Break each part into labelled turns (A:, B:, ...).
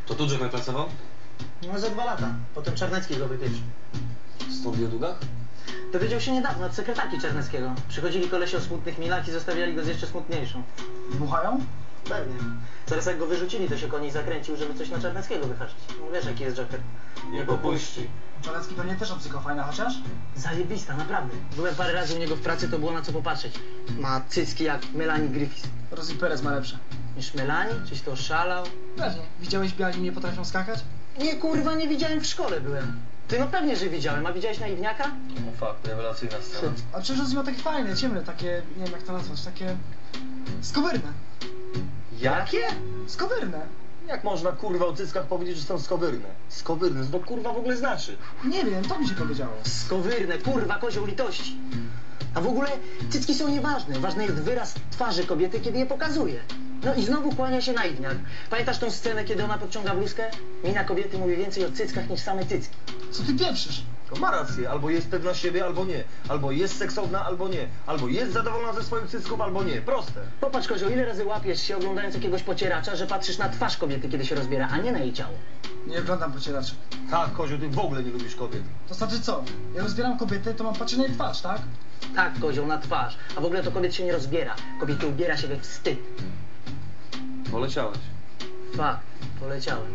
A: To tu Jack pracował?
B: No za 2 lata. Potem Czarnecki go wypieprzył.
A: Stąd wie o długach?
B: Dowiedział się niedawno od sekretarki Czarneckiego. Przychodzili kolesie o smutnych milach i zostawiali go z jeszcze smutniejszą.
C: Dmuchają?
B: Pewnie. Teraz jak go wyrzucili, to się koni zakręcił, żeby coś na Czarneckiego wyhaczyć. No wiesz, jaki jest Joker.
A: Nie popuści.
C: Czarnecki pewnie też obcykał, fajna chociaż?
B: Zajebista, naprawdę. Byłem parę razy u niego w pracy, to było na co popatrzeć. Ma cycki jak Melanie Griffith.
C: Rosie Perez ma lepsze.
B: Niż Melanie? Czyś to oszalał?
C: Pewnie. Widziałeś biali nie potrafią skakać?
B: Nie, kurwa, nie widziałem, w szkole byłem. Ty, no pewnie, że widziałem. A widziałeś naiwniaka?
A: No fakt, rewelacyjna scena.
C: A przecież Rosie ma takie fajne, ciemne, takie, nie wiem jak to nazwać, takie... skowyrne.
A: Jakie?
C: Skowyrne.
A: Jak można kurwa o cyckach powiedzieć, że są skowyrne? Skowyrne, co to kurwa w ogóle znaczy?
C: Nie wiem, to mi się powiedziało.
B: Skowyrne, kurwa, kozioł litości. A w ogóle cycki są nieważne. Ważny jest wyraz twarzy kobiety, kiedy je pokazuje. No i znowu kłania się naiwniak. Pamiętasz tą scenę, kiedy ona podciąga bluzkę? Mina kobiety mówi więcej o cyckach niż same cycki.
C: Co ty pieprzysz?
A: To ma rację, albo jest pewna siebie, albo nie. Albo jest seksowna, albo nie. Albo jest zadowolona ze swoich cycków, albo nie. Proste.
B: Popatrz, kozioł, ile razy łapiesz się oglądając jakiegoś pocieracza, że patrzysz na twarz kobiety, kiedy się rozbiera, a nie na jej ciało.
C: Nie oglądam pocieraczy.
A: Tak, Kozio, ty w ogóle nie lubisz kobiet.
C: To znaczy co? Ja rozbieram kobiety, to mam patrzeć na jej twarz, tak?
B: Tak, kozioł, na twarz. A w ogóle to kobiet się nie rozbiera. Kobiety ubiera się we wstyd.
A: Poleciałeś.
B: Fakt, poleciałem.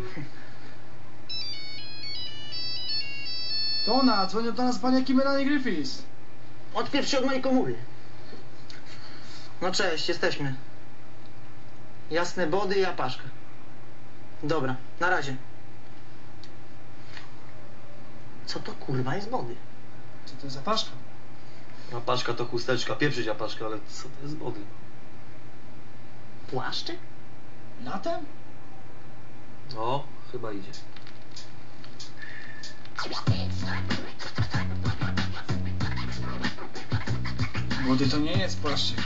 C: To ona, dzwonią do nas paniaki Melanie Griffiths.
B: Odpierw się od mojej komóry. No cześć, jesteśmy. Jasne body i apaszka. Dobra, na razie. Co to kurwa jest body?
C: Co to jest za paszka?
A: Apaszka to chusteczka, pieprzyć apaszkę, ale co to jest wody?
B: Płaszczyk?
C: Latem?
A: No, chyba idzie.
C: Młody to nie jest płaszczyk.